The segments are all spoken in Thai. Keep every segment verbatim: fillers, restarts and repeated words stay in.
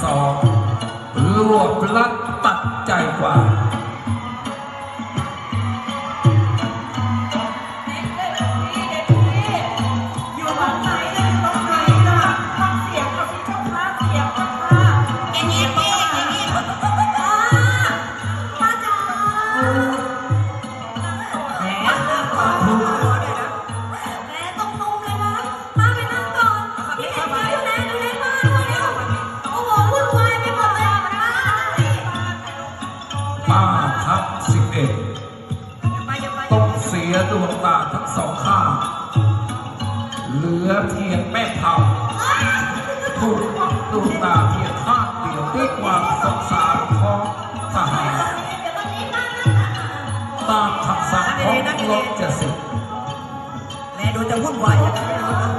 สองรวบลัดตัดใจกว่าต้องเสียดวงตาทั้งสองข้างเหลือเพียงแม่เผาถูกดวงตาเพียงข้างเดียวด้วยความสงสารของทหารตามคำสั่งของรบจะสึกแม่ดูจะวุ่นวายอย่างนั้น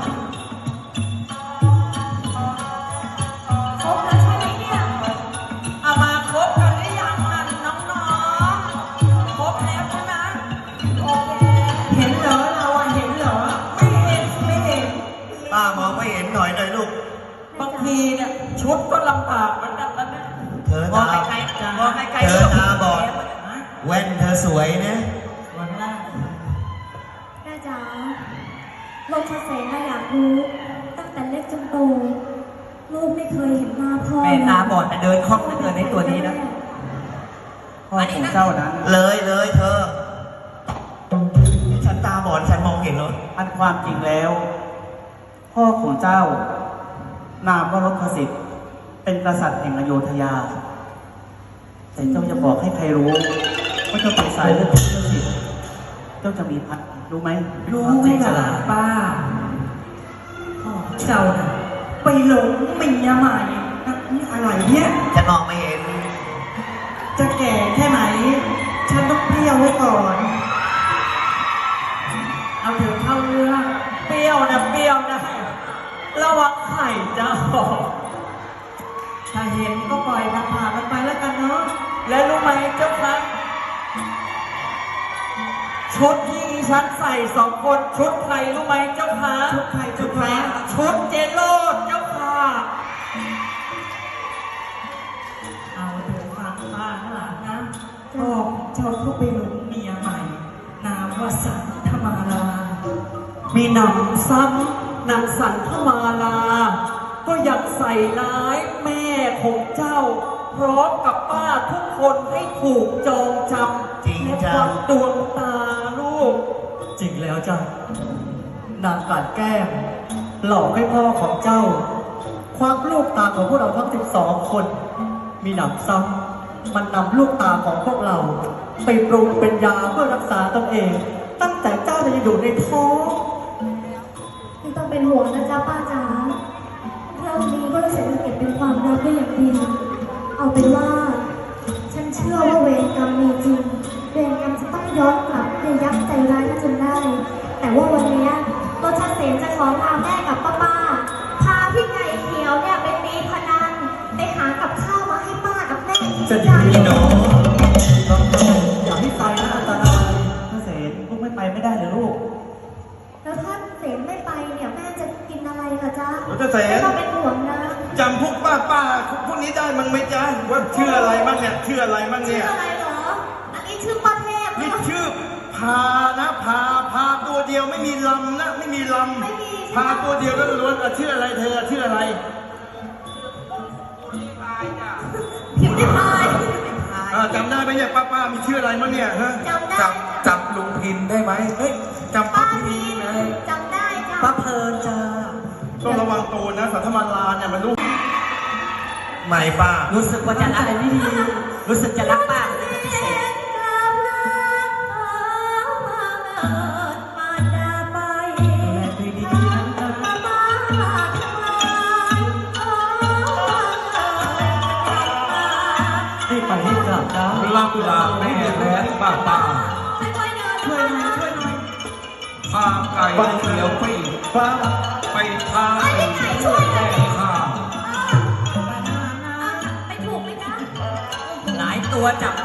ครบแล้วใช่ไหมเนี่ยเอามาครบกันหรือยังนั่นน้องๆครบแล้วใช่ไหมโอเคเห็นเหรอเราอะเห็นเหรอไม่เห็นไม่เห็นป้ามองไม่เห็นหน่อยเลยลูกบางทีเนี่ยชุดก็ลำบากเหมือนกันนะเนี่ยเธอตาบอไกลเธอตาบอดแว่นเธอสวยนะวันแรกแม่จ๋าลูกชะเสนาอยากรู้ตั้งแต่เล็กจนโตลูกไม่เคยเห็นหน้าพ่อแม่ตาบอดแต่เดินคล่องเหลือเกินในตัวนี้นะพ่อของเจ้านั้นเลยเลยเธอฉันตาบอดฉันมองเห็นรถอันความจริงแล้วพ่อของเจ้านามว่ารถสิทธิ์เป็นกษัตริย์แห่งอโยธยาแต่เจ้าจะบอกให้ใครรู้ว่าเจ้าเป็นสายเลือดของรถสิทธิ์เจ้าจะมีพันรู้ไหมรู้ไหมล่ะป้าพ่อเจ้าน่ะไปหลงเมียใหม่นี่อะไรเนี่ยจะมองไม่เห็นจะแก่แค่ไหนฉันต้องเปรี้ยวไว้ก่อนเอาถึงเข้าเรื่องเปรี้ยวนะเปรี้ยวนะระวังไข่จะออกถ้าเห็นก็ปล่อยมันผ่านมันไปแล้วกันเนาะและรู้ไหมเจ้าคะชุดที่ฉันใส่สองคนชุดใครรู้ไหมเจ้าคะชุดใครชุดใครชุดเจโรดเจ้าค่ะเอาเถอะฟังป้าข้างหลังนะพ่อเจ้าก็ไปหลงเมียใหม่นามว่าสันธมาลามีหนำซ้ำนางสันธมาลาก็อยากใส่ร้ายแม่ของเจ้าพร้อมกับป้าทุกคนให้ถูกจองจำและควักดวงตาลูกจริงแล้วจ้ะนางการแก้มหลอกให้พ่อของเจ้าควักลูกตาของพวกเราทั้งสิบสองคนมีหนำซ้ำมันนำลูกตาของพวกเราไปปรุงเป็นยาเพื่อรักษาตนเองตั้งแต่เจ้ายังอยู่ในท้องไม่ต้องเป็นห่วงนะจ๊ะป้าจ๋าเราดีก็จะเก็บเป็นความลับได้อย่างดีเอาเป็นว่าฉันเชื่อว่าเวรกรรมมีจริงเวรกรรมจะต้องย้อนกลับในยักษ์ใจร้ายจนได้แต่ว่าวันนี้ตัวชัดเสนจะขอลาแม่กับป้าป้าพาพี่ไก่เขียวเนี่ยไปตีพนันไปหากับข้าวมาให้ป้ากับแม่จะดีเนาะอย่าให้ไปนะอันตรายถ้าเสนลูกไม่ไปไม่ได้เลยลูกแล้วถ้าเสนไม่ไปเนี่ยแม่จะกินอะไรล่ะจ๊ะจะเสนไม่ต้องเป็นห่วงนะจำพวกป้าป้าพวกนี้ได้มั้งไหมจ๊ะว่าชื่ออะไรบ้างเนี่ยชื่ออะไรบ้างเนี่ยชื่ออะไรเหรออันนี้ชื่อป้าเทพนี่ชื่อพานะพาพาตัวเดียวไม่มีลำนะไม่มีลำพาตัวเดียวก็ล้วนๆชื่ออะไรเธอชื่ออะไรพิมพ์ได้พายจำได้ไหมเนี่ยป้าป้ามีชื่ออะไรมั้งเนี่ยฮะจำได้จำจำลุงพินได้ไหมเฮ้ยจำป้าพินไงจำได้จ้ะป้าเพลินจ้าต้องระวังตัวนะสัทธมาลาเนี่ยมันลูกใหม่ป้ารู้สึกว่าจะรักอะไรไม่ดีรู้สึกจะรักป้าเป็นพิเศษไปที่กลับนะลาลาแม่และป้าป้าช่วยหน่อยช่วยหน่อยพาไก่เขียวไปป้าไปพาไปช่วยแม่ข้าไปถูกไหมจ๊ะหลายตัวจับ